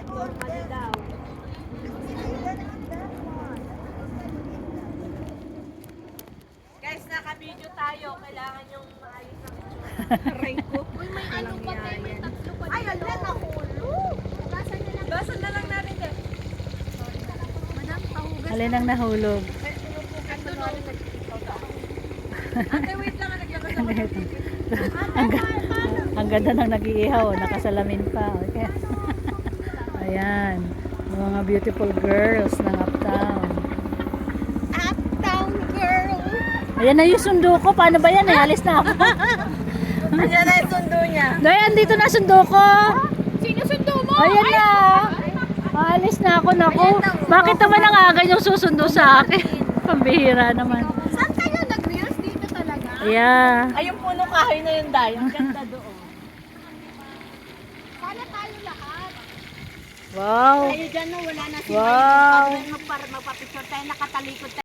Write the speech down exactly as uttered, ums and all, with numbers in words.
Normally daw. Guys, naka-video tayo. Kailangan yung maayos ang itsura. Aray ko. Uy, may ano pa kayo, may tatlo pa Ay, dito. ala, nahulog. Hugasan na lang. Gasan na lang natin din. Madam, pahugas. Alin ang nahulog? Ito no. Ate, wait lang. Nagyakas ako ng video. ang, ga- ang ganda ng nag-iihaw, nakasalamin pa. Okay. Ayan, yung mga beautiful girls ng Uptown. Uptown girl. Ayan na yung sundo ko. Paano ba yan? Eh? Alis na ako. Ayan na yung sundo niya. Dayan, dito na sundo ko. Sino sundo mo? Ayan na. Alis na ako. Naku. Bakit naman ang aga yung susundo sa akin? Pambihira naman. Saan kayo nag-reels dito talaga? Yeah. Ay, yung puno kahoy na yun, Day. Ang ganda doon. Sana tayo lahat. Wow. Tayo dyan no, wala na si Wow. Magpapicture tayo, nakatalikod tayo.